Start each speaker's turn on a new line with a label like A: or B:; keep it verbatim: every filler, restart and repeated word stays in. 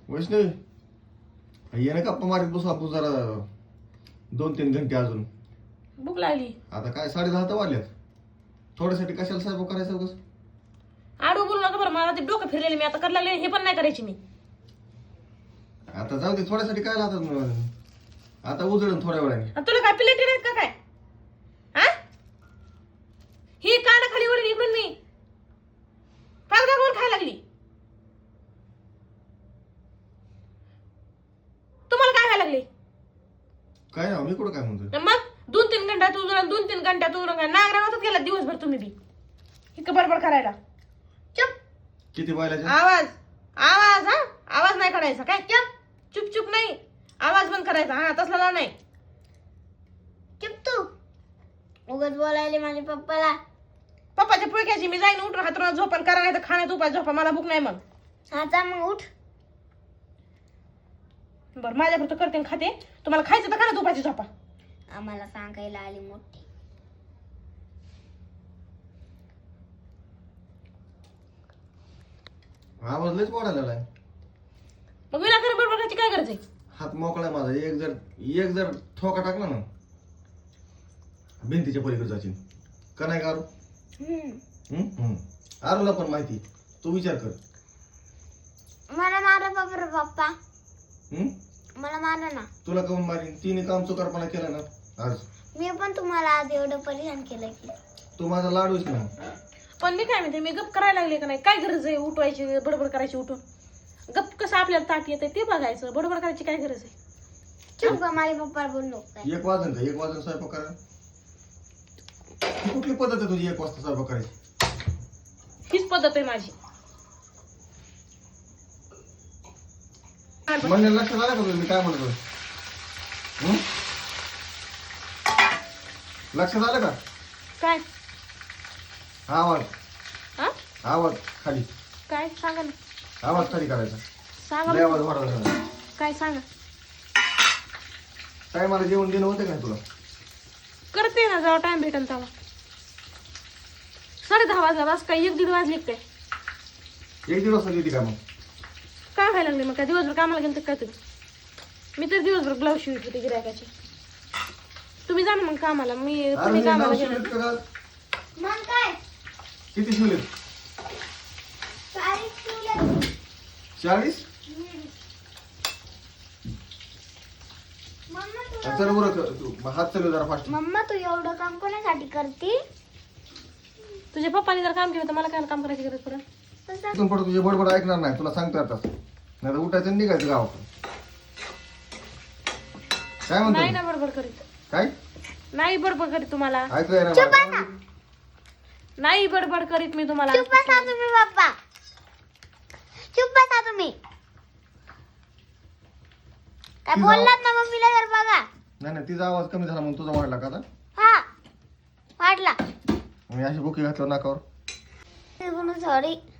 A: वैष्णवी ये ना गप्पा मारीत बसू आपण जरा दोन तीन घंटे अजून.
B: भूक लागली.
A: आता काय साडे दहा तर वाजल्यात. थोड्यासाठी कशाला स्वयंपाक करायचं उगाच?
B: आडू बोलू नका बरं, मला ते डोकं फिरलेले मी आता करायला लागले, हे पण नाही करायची मी.
A: आता जाऊ दे, थोड्यासाठी काय लागतात. आता उजळून थोड्या वेळाने.
B: आणि तुला काय प्लेटी नाहीत का काय? हा ही कान खाली वळली इकडून मी पाच गावून खायला लागली. तुम्हाला काय खायला लागली?
A: काय ना मी कुठं काय म्हणतो.
B: मग दोन तीन घंट्यात उजळून दोन तीन घंट्यात उजळून काय नागरावतच गेला दिवसभर तुम्ही बी इतकं बडबड करायला. चुप.
A: किती बायला
B: आवाज आवाज हा आवाज नाही काढायचा काय? चुप चुप चुप नाही, आवाज बंद करायचा. हा तसला लाव नाही.
C: चुप तू. उगाच बोलायले माझ्या पप्पाला.
B: पप्पाच्या पुळक्याची मी जाईन उठून हातरून झोपण करा, नाही तर खाण्यात उपाय झोपा, मला भूक नाही. मग
C: आता मग उठ.
B: बरं माझ्यापुरतं करते आणि खाते, तुम्हाला खायचं तर खाण्यात उपायची झोपा.
C: आम्हाला सांगायला आली मोठी.
A: आवाज लयच वाढायला लागलाय.
B: मग विनाकारण बडबड करायची काय गरज आहे?
A: हात मोकळा माझा. एक जर एक जर ठोका टाकला ना भिंतीच्या पलीकडे जाशील का नाही का आरू? हम्म आरूला पण माहिती. तू विचार कर.
C: मला मारा बाबा पप्पा.
A: हम्म
C: मला मारा ना.
A: तुला काऊन मारीन? तिने काम चुकारपणा केला ना आज.
C: मी पण तुम्हाला आज एवढं परिधान केलं की.
A: तू माझा लाडूच ना.
B: पण मी काय म्हणते, मी गप करायला लागले का नाही? काय गरज आहे उठवायची बडबड करायची? उठून गप कसं आपल्याला ताट येते ते बघायचं, बडबड करायची काय गरज आहे?
C: चुप का माझ्या पप्पा बोललो काय?
A: एक वाजन का? एक वाजन स्वयंपाक करा. ही कुठली पद्धत आहे तुझी एक वाजता स्वयंपाक करायची?
B: हीच पद्धत आहे माझी.
A: म्हणजे लक्षात आलं का तुझं मी काय म्हणतो? हम्म? लक्षात आलं का?
B: काय
A: आवाज
B: हा
A: आवाज खाली.
B: काय सांगा ना,
A: आवाज खाली करायचा.
B: सांगा
A: लय आवाज
B: बरं.
A: वाढवला.
B: काय सांगा.
A: काय मला जेवण देणं होतं का तुला?
B: करते ना जेव्हा टाइम भेटेल तेव्हा. साडे दहा वाजला बस काय एक दीड वाजले काय?
A: एक दिवस देते का मग?
B: काय व्हायला लागले मग? काय दिवसभर कामाला गेलं तर काय तुम्ही? मी तर दिवसभर ब्लाऊज शिवत होते गिरायकाचे. तुम्ही जा ना मग कामाला. मी
A: अरे
B: तुम्ही
A: हे
B: कामाला
A: नाव
B: गेलं.
A: शिवलेत का गं?
C: मग काय?
A: किती शिवलेत?
C: चाळीस शिवले.
A: चाळीस?
C: मम्मा तू
A: चल बरं तू हात चालू जरा फास्ट.
C: मम्मा तू एवढं काम कोणासाठी करते?
B: तुझ्या पप्पाने जर काम केलं तर मला काय काम करायची गरज पडेल?
C: तसं
A: इथून पुढे तुझे बडबड ऐकणार नाही. तुला सांगतो आता. नाही तर उठायचं आणि निघायचं गावाकडे. काय
B: नाही
A: म्हणतो?
B: ना बडबड करीत.
A: काय
B: नाही बडबड करीत तुम्हाला.
A: ऐकू येणार मला?
B: नाही बडबड करीत मी तुम्हाला.
C: चुप बसा तुम्ही पप्पा. चुप बसा तुम्ही. काय
A: तिचा-
C: बोललात ना मम्मीला तर बघा.
A: नाही नाही तिचा आवाज कमी झाला म्हणून तुझा वाढला का आता?
C: हा वाटला.
A: मी अशी बुकी घातलं नाकावर.
C: सॉरी.